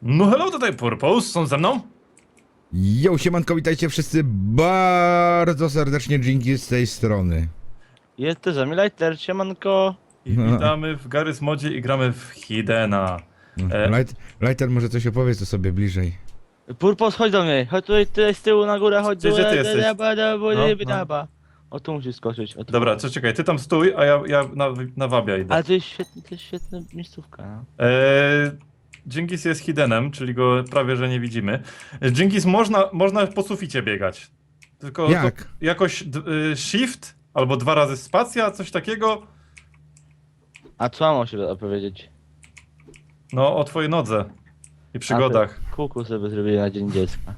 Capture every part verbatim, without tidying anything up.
No hello, tutaj Purpose, są ze mną? Jo, siemanko, witajcie wszyscy bardzo serdecznie, Jinki z tej strony. Jest też Lighter, siemanko. I No. witamy w Garry's Modzie i gramy w Hiddena. E, Light, Lighter, może coś opowiedz o sobie bliżej. Purpos, chodź do mnie, chodź tutaj, tutaj z tyłu na górę, chodź Gdzie- do gdzie ty jesteś? No, no. O, tu musisz skoczyć. O, tu. Dobra, co czekaj, ty tam stój, a ja, ja na, na wabia idę. Ale to jest świetna, to jest świetna miejscówka, no. E, Jinkis jest Hiddenem, czyli go prawie że nie widzimy. Jinkis można, można po suficie biegać. Tylko Jak? To jakoś d, y, shift albo dwa razy spacja, coś takiego. A co mam o siebie opowiedzieć? No, o twojej nodze i przygodach. A, kuku sobie zrobiłem na Dzień Dziecka.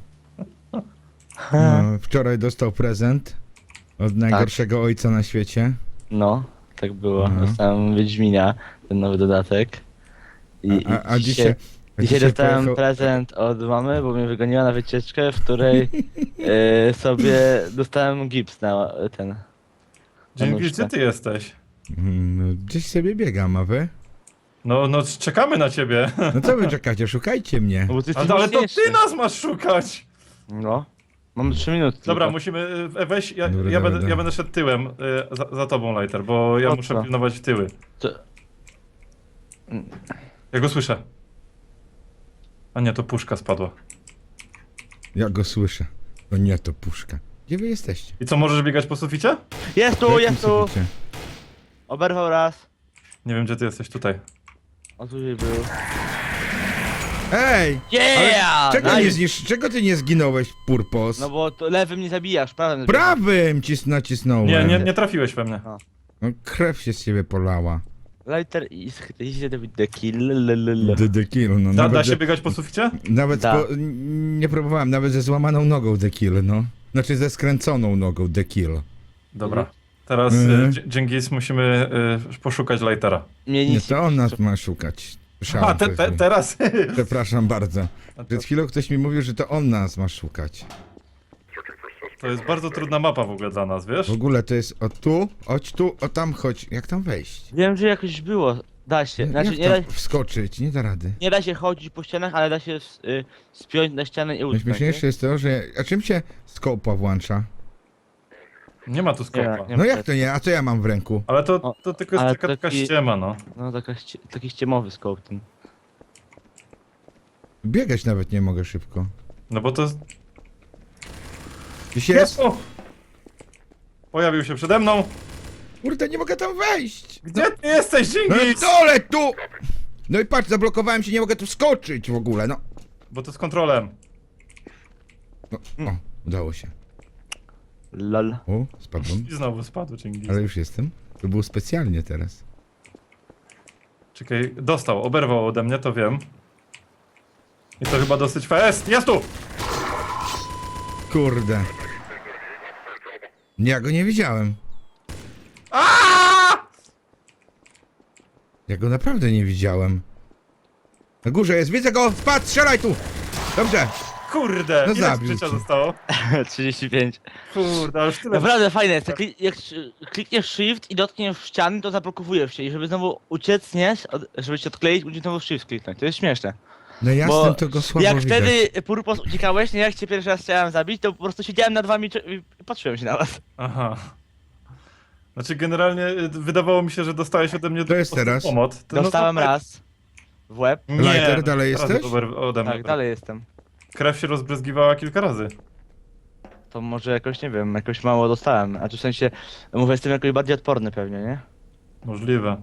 No, wczoraj dostał prezent od najgorszego ojca na świecie. No, tak było. Mhm. Dostałem Wiedźmina, ten nowy dodatek. I, A, a, a i dzisiaj... a Dzisiaj dostałem pojechał- prezent od mamy, bo mnie wygoniła na wycieczkę, w której e, sobie dostałem gips na ten. Jinkis, gdzie ty jesteś? Mm, no, gdzieś sobie biegam, a wy? No, no czekamy na ciebie. No co wy czekacie, szukajcie mnie. No bo ty jesteś Ale, ale to mocniejszy. ty nas masz szukać! No. Mam trzy minuty. Dobra, tylko. musimy, e, weź, ja, Dobra, ja, dobra, będę, ja dobra. będę szedł tyłem e, za, za tobą, Lighter, bo ja Po muszę co? pilnować tyły. Co? Ja go słyszę. A nie, to puszka spadła. Ja go słyszę. To nie, to puszka. Gdzie wy jesteście? I co, możesz biegać po suficie? Jest tu, W jakim jest tu! suficie? Oberwał raz. Nie wiem, gdzie ty jesteś, tutaj. O, tu był. Ej! Yeah! Czego, Nice. nie znisz... Czego ty nie zginąłeś, Purpos? No bo to lewym nie zabijasz, prawym. Prawym cis nacisnąłem. Nie, nie, nie trafiłeś we mnie. No, krew się z ciebie polała. Lighter is easy to the kill. lelele. The, the kill, no. Da, da nawet się ze, biegać po suficie? nawet Da. po, n- nie próbowałem, nawet ze złamaną nogą the kill, no. Znaczy ze skręconą nogą the kill. Dobra. Teraz Mhm. e, Dż- Dżingis musimy e, poszukać Lightera. Mnie Nie, nic to on nas ma szukać. Słyszałem A, te, coś te, mi. teraz! Przepraszam bardzo. Przed chwilą ktoś mi mówił, że to on nas ma szukać. To jest bardzo trudna mapa w ogóle dla nas, wiesz? W ogóle to jest o tu, chodź tu, o tam chodź. Jak tam wejść? Wiem, że jakoś było. Da się. Znaczy, Jak nie, da, tam wskoczyć? Nie da rady. nie da się chodzić po ścianach, ale da się s- y, spiąć na ścianę i utknąć. Najśmieszniejsze jest to, że... A czym się skopa włącza? Nie ma tu skopa. Nie, nie. No jak to nie? A co ja mam w ręku? Ale to, O, to tylko jest ale taka, taka taki- ściema, no. No taka, ście- taki ściemowy scope ten. Biegać nawet nie mogę szybko. No bo to jest... Gdzieś jest? O! Pojawił się przede mną. Kurde, nie mogę tam wejść! Gdzie ty jesteś, No i Dżingis? dole tu! No i patrz, zablokowałem się, nie mogę tu skoczyć w ogóle, no. Bo to z kontrolem. no. O, udało się. Lol. O, spadłem. I znowu spadł Dżingis. Ale już jestem. To było specjalnie teraz. Czekaj, dostał, oberwał ode mnie, to wiem. I to chyba dosyć fest. Jest tu! Kurde. Ja go nie widziałem. Aaaa! Ja go naprawdę nie widziałem. Na górze jest, widzę go! Spadł, strzelaj tu! Dobrze. Kurde, No ile zabił życia cię. zostało? trzydzieści pięć. Kurde, ale już tyle. Naprawdę fajne jest, jak, kli- jak sz- klikniesz shift i dotkniesz ściany, to zablokowujesz się i żeby znowu uciec, nie? Od, żeby się odkleić, musisz znowu shift kliknąć. To jest śmieszne. No jasnym Bo to go słabo jak widać. wtedy Purpos uciekałeś, nie? Jak cię pierwszy raz chciałem zabić, to po prostu siedziałem nad wami cze- i patrzyłem się na was. Aha. Znaczy generalnie y, wydawało mi się, że dostałeś ode mnie To jest po prostu teraz? pomoc. To- no Dostałem to- raz w łeb. Nie, Lighter, dalej teraz jesteś? ober- Ode mnie. Tak, dalej jestem. Krew się rozbryzgiwała kilka razy. To może jakoś, nie wiem, jakoś mało dostałem. A czy w sensie, mówię, jestem jakoś bardziej odporny pewnie, nie? Możliwe.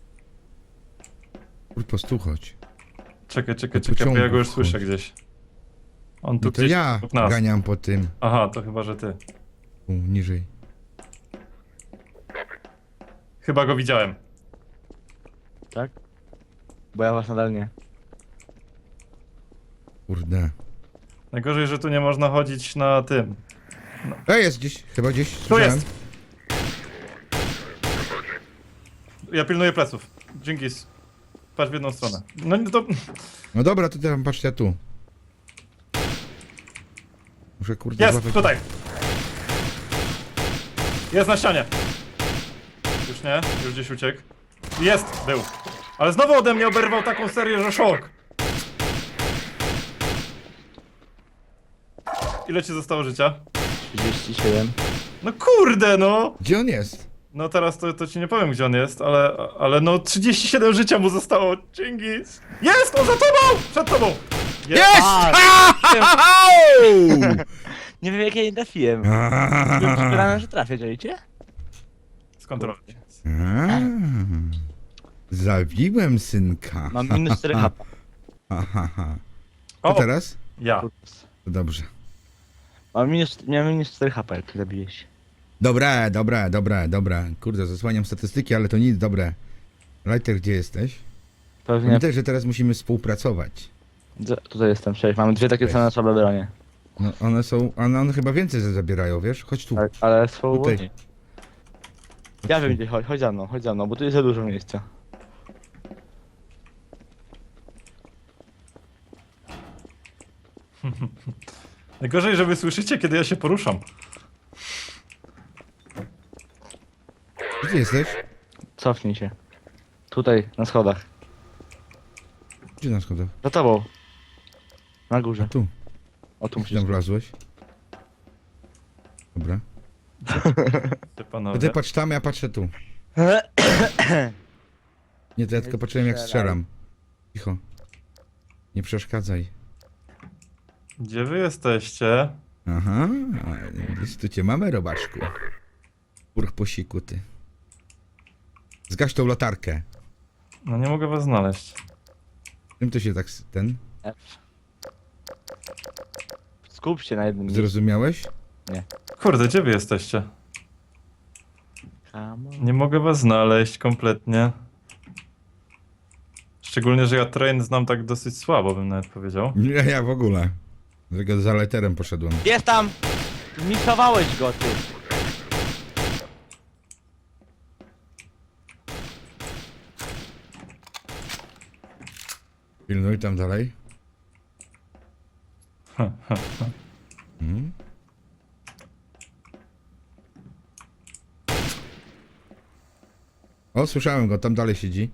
Kurpo, tu chodź. Czekaj, czekaj, Do czekaj, bo ja pociągu go już wchodź. słyszę gdzieś. On tu No to gdzieś ja obok nas. ganiam po tym. Aha, to chyba, że ty. U, niżej. Chyba go widziałem. Tak? Bo ja was nadal nie. Kurde. Najgorzej, że tu nie można chodzić na tym. E, jest gdzieś, chyba gdzieś. Tu słyszałem. jest! Ja pilnuję pleców. Dżingis. Patrz w jedną stronę. No nie to... No dobra, to teraz patrzcie tu. Muszę kurde Jest! złapać- Tutaj! Jest na ścianie! Już nie? Już gdzieś uciekł. Jest! Był. Ale znowu ode mnie oberwał taką serię, że szok! Ile ci zostało życia? trzydzieści siedem. No kurde, no! Gdzie on jest? No teraz to, to ci nie powiem, gdzie on jest, ale, ale no trzydzieści siedem życia mu zostało. Dżingis! Jest! On za tobą! Przed tobą! Jest! A, Au! nie wiem jak ja nie trafiłem. A. Byłem przekonany, że trafię, czujecie? Skontroluj. A. Zabiłem synka. Mam minus cztery hapa. Aha, aha. A O! teraz? Ja. To dobrze. Mam minus, miałem minus cztery hapa, jak zabiłeś. Dobre, dobre, dobre, dobre. Kurde, zasłaniam statystyki, ale to nic, dobre. Lighter, gdzie jesteś? Pewnie. Pamiętaj, że teraz musimy współpracować. D- Tutaj jestem, cześć. Mamy dwie takie Cześć. same słabe bronie. No, one są, one, one chyba więcej zabierają, wiesz? Chodź tu. Ale, ale są Tutaj. wolniej. Ja wiem gdzie, chodź, chodź za mną, chodź za mną, bo tu jest za dużo miejsca. Najgorzej, że wy słyszycie, kiedy ja się poruszam. Gdzie ty jesteś? Cofnij się. Tutaj, na schodach. Gdzie na schodach? Za tobą. Na górze. Tu. O, tu Gdzie musisz. tam wlazłeś? Dobra. Ty To panowie. ty patrz tam, ja patrzę tu. Nie, to ja tylko patrzyłem jak strzelam. Cicho. Nie przeszkadzaj. Gdzie wy jesteście? Aha, jest tu cię mamy, robaczku. Urch po siku, ty. Zgaś tą latarkę. No nie mogę was znaleźć. Czym to się tak, s- ten, F. Skup się na jednym miejscu. zrozumiałeś? Kurde, gdzie wy jesteście? Come on. Nie mogę was znaleźć kompletnie. Szczególnie, że ja train znam tak dosyć słabo, bym nawet powiedział. Nie, ja w ogóle. Dlatego za leterem poszedłem. Jest tam! Misowałeś go, ty. Pilnuj tam dalej. Hmm? O, słyszałem go, tam dalej siedzi.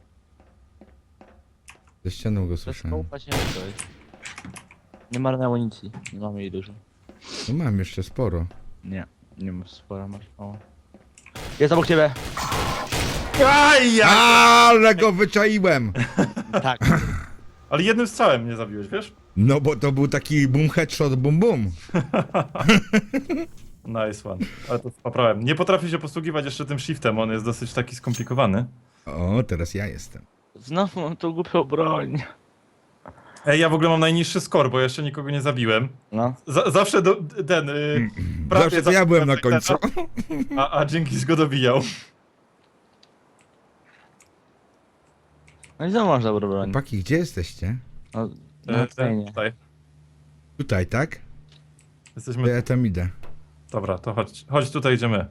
Ze ścianą go To słyszałem. skołpa ciężko jest. Nie marnę amunicji. Nie mamy jej dużo. No mam jeszcze sporo. Nie. Nie masz spora, masz mało. Jest obok ciebie! Aj, ja! Ale go wyczaiłem! Tak. Ale jednym strzałem mnie zabiłeś, wiesz? No bo to był taki boom headshot, bum bum. Nice one. Ale to poprawiam. Nie potrafię się posługiwać jeszcze tym shiftem, on jest dosyć taki skomplikowany. O, teraz ja jestem. Znowu mam tą głupią broń. Ej, ja w ogóle mam najniższy score, bo jeszcze nikogo nie zabiłem. No. Z zawsze do, ten... Yy, prawie Zawsze to ja byłem na końcu. A, a Jenkins go dobijał. No i znowu masz dobrą broń. Chłopaki, gdzie jesteście? No, E, na ten, scenie. tutaj. Tutaj, tak? To Jesteśmy... ja tam idę. Dobra, to chodź, chodź tutaj, idziemy.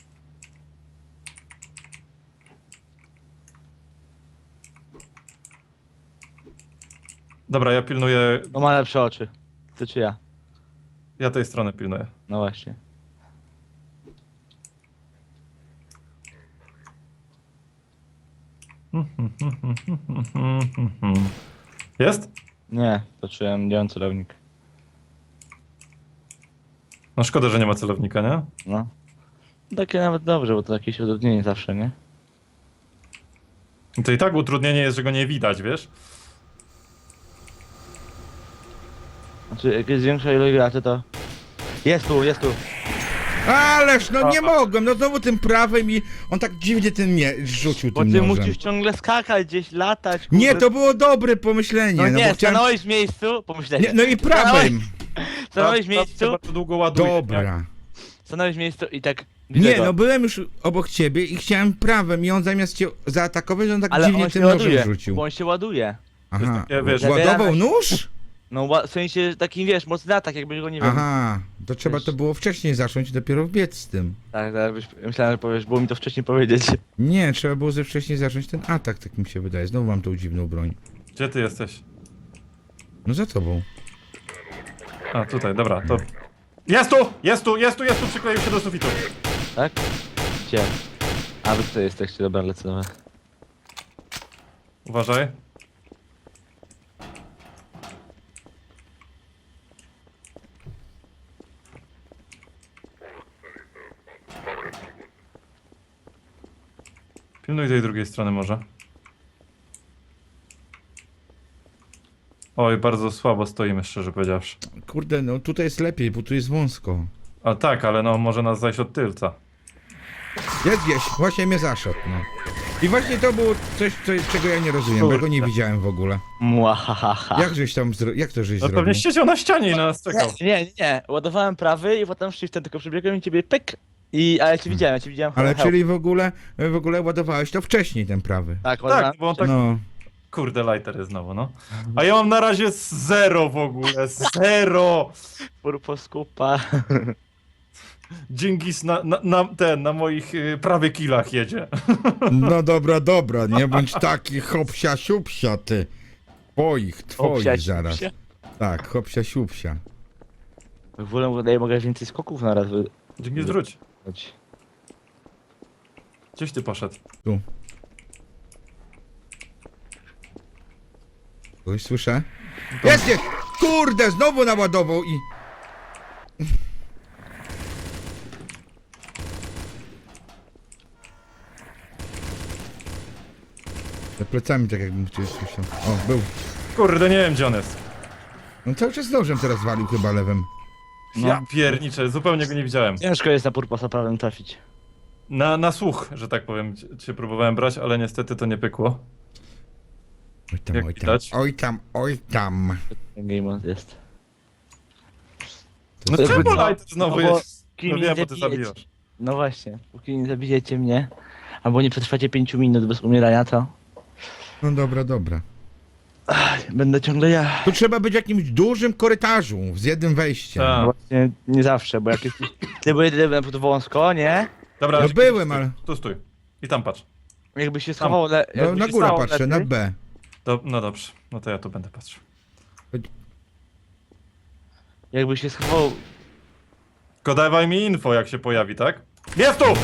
Dobra, ja pilnuję... No ma lepsze oczy. Ty czy ja? Ja tej strony pilnuję. No właśnie. Jest? Nie, patrzyłem, nie mam celownik. No szkoda, że nie ma celownika, nie? No. Takie nawet dobrze, bo to jakieś utrudnienie zawsze, nie? To i tak utrudnienie jest, że go nie widać, wiesz? Znaczy, jak jest większa ilość graczy, to... Jest tu, jest tu. Ależ, no nie mogłem, no znowu tym prawym i on tak dziwnie ten nie rzucił Bo tym ty nożem. musisz ciągle skakać gdzieś, latać. Kurde. Nie, to było dobre pomyślenie, No no, nie, bo chciałem... stanąłeś w miejscu, pomyślenie. Nie, no i prawym. Stanąłeś w Teraz miejscu, bardzo długo ładuje. Dobra. stanąłeś w miejscu i tak... widzę Nie, go. no byłem już obok ciebie i chciałem prawym i on zamiast cię zaatakować, on tak Ale dziwnie on się tym nożem ładuje, rzucił. bo on się ładuje. jest Aha, takie, wiesz, ładował zabiera- nóż? No ła- w sensie takim, wiesz, mocny atak, jakbyś go nie wiem. Aha, to trzeba Wiesz. to było wcześniej zacząć i dopiero wbiec z tym. Tak, tak, byś, myślałem, że powiesz, było mi to wcześniej powiedzieć. Nie, trzeba było ze wcześniej zacząć ten atak, tak mi się wydaje. Znowu mam tą dziwną broń. Gdzie ty jesteś? No za tobą. A, tutaj, dobra, to... Jest tu! Jest tu! Jest tu! Jest tu! Przykleił się do sufitu. Tak? Gdzie? A wy tutaj jesteście, dobra, lecę do was. Uważaj. Pilnuj tej drugiej strony może. Oj, bardzo słabo stoimy, szczerze powiedziawszy. Kurde, no tutaj jest lepiej, bo tu jest wąsko. A tak, ale no może nas zajść od tylca. Jest gdzieś, właśnie mnie zaszedł, no. I właśnie to było coś, co, czego ja nie rozumiem, bo ja go nie Kurde. widziałem w ogóle. Młahaha. Jak żeś tam, zro... jak to żeś No zrobił? pewnie siedział na ścianie i na nas czekał. Nie, nie, nie. Ładowałem prawy i potem shiftem tylko przebiegłem i ciebie pyk. I, a ja cię widziałem, ja cię widziałem. Ale help. czyli w ogóle, w ogóle ładowałeś to wcześniej, ten prawy. Tak, ładowałem. Tak, bo on tak... No. Kurde, lighter jest znowu, no. A ja mam na razie zero w ogóle, zero! Purpos kupa. Dżingis na, na, na ten, na moich y, prawie kilach jedzie. No dobra, dobra, nie bądź taki hopsia siupsia ty. Twoich, twoich Obsiać zaraz. się. Tak, hopsia siupsia. W ogóle wydaje mogę więcej skoków na raz Dżingis, wróć. wybrać. Gdzieś ty poszedł? Tu. Kogoś słyszę? Jest, jest! Kurde, znowu naładował i... Za plecami tak jakbym ktoś słyszał. O, był. Kurde, nie wiem gdzie on jest. On cały czas nożem teraz walił chyba lewym. No. Ja pierniczę, zupełnie go nie widziałem. Ciężko jest na purposa prawym trafić. Na, na słuch, że tak powiem, cię- cię próbowałem brać, ale niestety to nie pykło. Oj tam, Jak oj tam, widać. oj tam, oj tam. Ten game mode jest. No To czemu jest- lighter znowu no bo jest? kim No mnie wiem, bo ty zabijecie? zabijasz. No właśnie, póki nie zabijecie mnie, albo nie przetrwacie pięciu minut bez umierania, to No dobra, dobra. będę ciągle ja. Tu trzeba być w jakimś dużym korytarzu z jednym wejściem. Tak. No właśnie, nie zawsze, bo jak jesteś... Ty byłeś na przykład wąsko, nie? Dobra, No Dżingis, byłem, stój, ale- Tu stój. I tam patrz. Jakby się schował... Le... No, jakby na się górę stało patrzę, na lepiej, B. Do, no dobrze, no to ja tu będę patrzył. Jakby się schował... Tylko dawaj mi info, jak się pojawi, tak? Jest tu!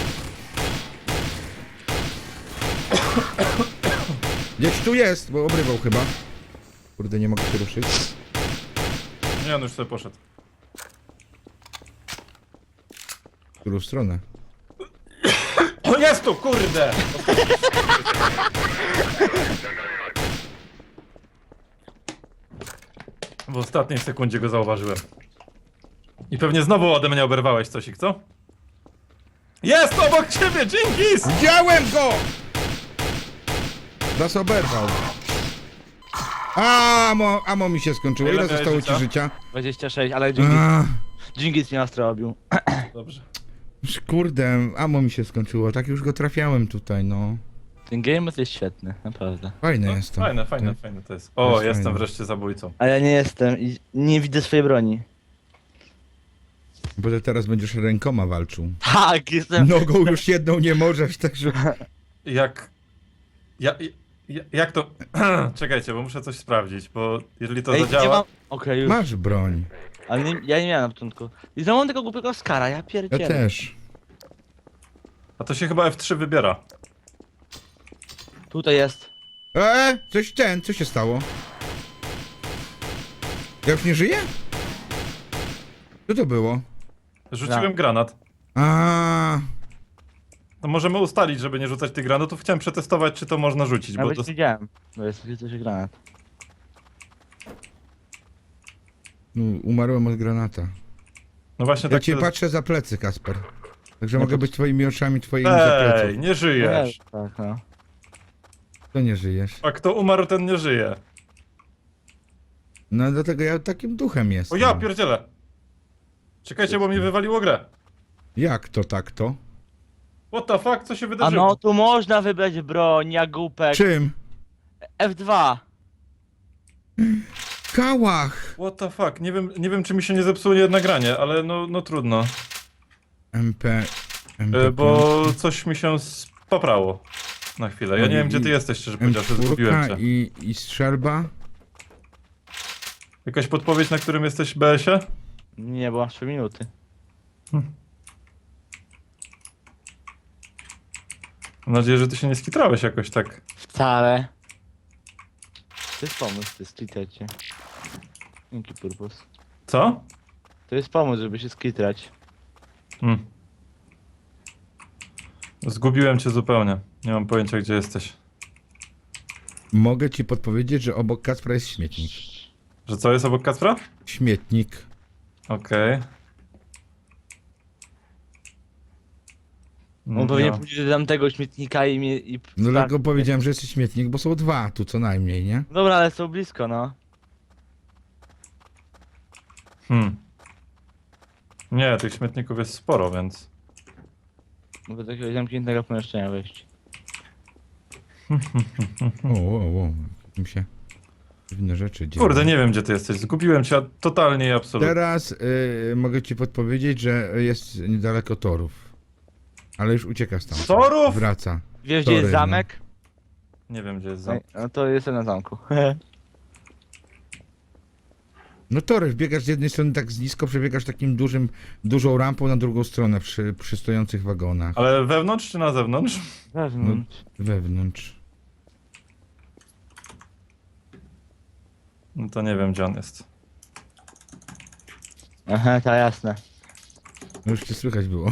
Gdzieś tu jest, bo obrywał chyba. Kurde, nie mogę się ruszyć. Nie, on już sobie poszedł. W którą stronę? O, jest tu, kurde! W ostatniej sekundzie go zauważyłem. I pewnie znowu ode mnie oberwałeś coś, co? Jest obok ciebie, Dżingis! Widziałem go! Nas oberwał. Amo, amo mi się skończyło. Ile Ile miałeś zostało życia? ci życia? dwadzieścia sześć, ale Dżingis, A, Dżingis mnie nastrobił. Dobrze. kurde, amo mi się skończyło. Tak już go trafiałem tutaj, no. Ten game mode jest świetny, naprawdę. Fajne No, jest to. fajne, fajne, Tak. fajne to jest. To O, jest jestem fajne. wreszcie zabójcą. A ja nie jestem i nie widzę swojej broni. Bo ty teraz będziesz rękoma walczył. Tak, jestem... Nogą już jedną nie możesz, także... Jak... Ja, ja, jak to... Czekajcie, bo muszę coś sprawdzić, bo jeżeli to Ej, nie zadziała... mam... Okej, już. Masz broń. Ale nie, ja nie miałem na początku. I znowu mam tego głupiego skara, ja Ja pierdzielę. też. A to się chyba F trzy wybiera. Tutaj jest. Eee, coś ten, co się stało? Ja już nie żyję? Co to było? Rzuciłem Tak. granat. A, To możemy ustalić, żeby nie rzucać tych granatów. Chciałem przetestować, czy to można rzucić, bo Nawet to... nie widziałem. Bo jest takie coś granat. no, umarłem od granata. No właśnie Ja tak... cię to- patrzę za plecy, Kasper. Także Ja mogę to- być twoimi oczami, twoimi za Ej, pleców. nie żyjesz. Tak, no. To nie żyjesz. A kto umarł, ten nie żyje. No dlatego ja takim duchem O jestem. ja pierdzielę. Czekajcie, bo mi wywaliło grę. Jak to tak to? What the fuck, co się A wydarzyło? no, tu można wybrać broń, jak głupek. Czym? F dwa. Kałach! What the fuck, nie wiem, nie wiem czy mi się nie zepsuło nie nagranie, ale no, no trudno. M P... M P E, bo coś mi się poprało. Na chwilę. Ja No nie i- wiem gdzie ty i- jesteś, szczerze powiedziawszy, zgubiłem cię. i, i strzelba? Jakaś podpowiedź, na którym jesteś B S ie? Nie, bo mam trzy minuty. Mam nadzieję, że ty się nie skitrałeś jakoś tak. Wcale. To jest pomysł, to jest skitrać się. Dzięki purpos. Co? To jest pomysł, żeby się skitrać. Hmm. Zgubiłem cię zupełnie. Nie mam pojęcia, gdzie jesteś. Mogę ci podpowiedzieć, że obok Kacpra jest śmietnik. Że co jest obok Kacpra? Śmietnik. Okej. On No, powinien ja- pójść do tamtego śmietnika i mnie... I... No tak. dlatego powiedziałem, że jest śmietnik, bo są dwa tu co najmniej, nie? Dobra, ale są blisko, no. Hmm. Nie, tych śmietników jest sporo, więc... Do takiego zamkniętego pomieszczenia wejść. O, o, o. Mi się dziwne rzeczy dzieją. Kurde, nie wiem, gdzie ty jesteś. Zgubiłem cię totalnie i absolutnie. Teraz y, mogę ci podpowiedzieć, że jest niedaleko torów. Ale już ucieka stąd. Torów? Wraca. Wiesz, gdzie jest Tory, no. zamek? Nie wiem, gdzie jest za... No to jestem na zamku. No tory, biegasz z jednej strony tak z nisko, przebiegasz takim dużym, dużą rampą na drugą stronę przy, przy stojących wagonach. Ale wewnątrz czy na zewnątrz? Wewnątrz. Wewnątrz. No to nie wiem, gdzie on jest. Aha, to jasne. No już cię słychać było.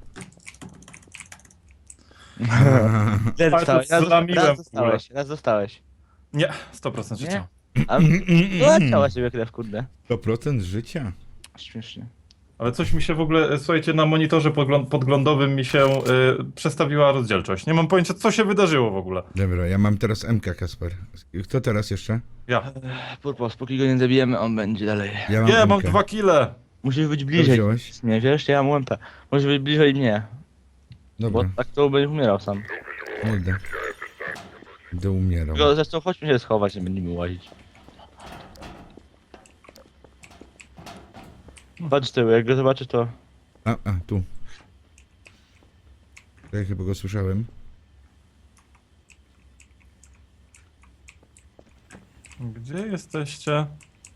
Raz to dostałeś, raz, zlamiłem raz w ogóle. dostałeś, raz dostałeś. Nie, sto procent Nie? życia. A no, ciała siebie krew, kurde. sto procent życia. Śmiesznie. Ale coś mi się w ogóle, e, słuchajcie, na monitorze podglą- podglądowym mi się y, przestawiła rozdzielczość. Nie mam pojęcia, co się wydarzyło w ogóle. Dobra, ja mam teraz M K, Kasper. Kto teraz jeszcze? Ja. Purpos, póki go nie zabijemy, on będzie dalej. Ja mam Nie, M K. mam dwa kile. Musisz być Co bliżej. wziąłeś? Nie wiesz, ja mam U M P. Musisz być bliżej mnie. Bo Dobra, tak to będziesz umierał sam. idę. Będę umierał. Tylko zresztą chodźmy się schować, nie będziemy łazić. Patrz z tyłu, jak go zobaczysz to... A, a, tu. Ja chyba go słyszałem. Gdzie jesteście?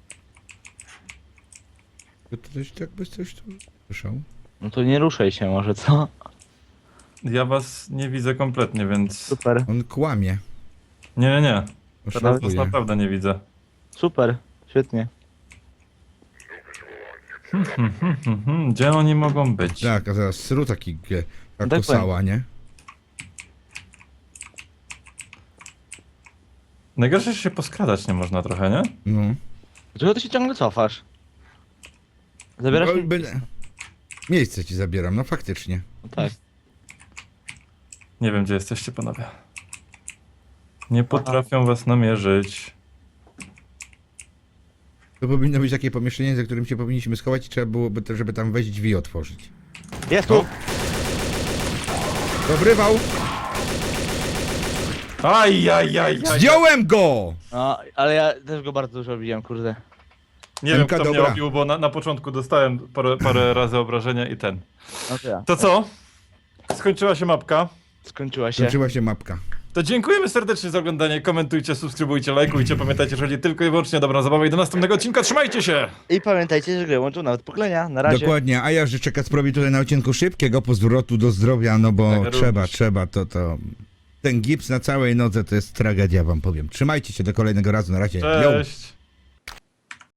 To ktoś tak bez coś tu słyszał? No to nie ruszaj się może, co? Ja was nie widzę kompletnie, więc... Super, On kłamie. Nie, nie, nie. Teraz was Oszukuje. naprawdę nie widzę. super, świetnie. Hmm, hmm, hmm, hmm. Gdzie oni mogą być? Tak, a zaraz sru taki ge- Tak kakosała, nie? Najgorsze, że się poskradać nie można trochę, nie? No. Dlaczego ty się ciągle cofasz? Zabierasz No, mi... będę- Miejsce ci zabieram, no faktycznie. No tak. Nie wiem, gdzie jesteście, panowie. Nie potrafią was namierzyć. To powinno być takie pomieszczenie, za którym się powinniśmy schować i trzeba byłoby, te- żeby tam wejść drzwi otworzyć. Jest tu! Dobrywał! Aj, aj, aj, aj. Zdjąłem go! No, ale ja też go bardzo dużo biłem, kurde. Nie wiem, Emka, kto mnie dobra. obił, bo na, na początku dostałem parę, parę razy obrażenia i ten. No to ja. To co? Skończyła się mapka. Skończyła się. Skończyła się mapka. To dziękujemy serdecznie za oglądanie. Komentujcie, subskrybujcie, lajkujcie. Pamiętajcie, że chodzi tylko i wyłącznie o dobrą zabawę i do następnego odcinka. Trzymajcie się! I pamiętajcie, że gry łączą nawet pokolenia. Na razie. Dokładnie, a ja życzę Kacprowi tutaj na odcinku szybkiego powrotu do zdrowia, no bo Tak, trzeba, również. trzeba, to to... Ten gips na całej nodze to jest tragedia, wam powiem. Trzymajcie się do kolejnego razu, na razie. Yo. Cześć!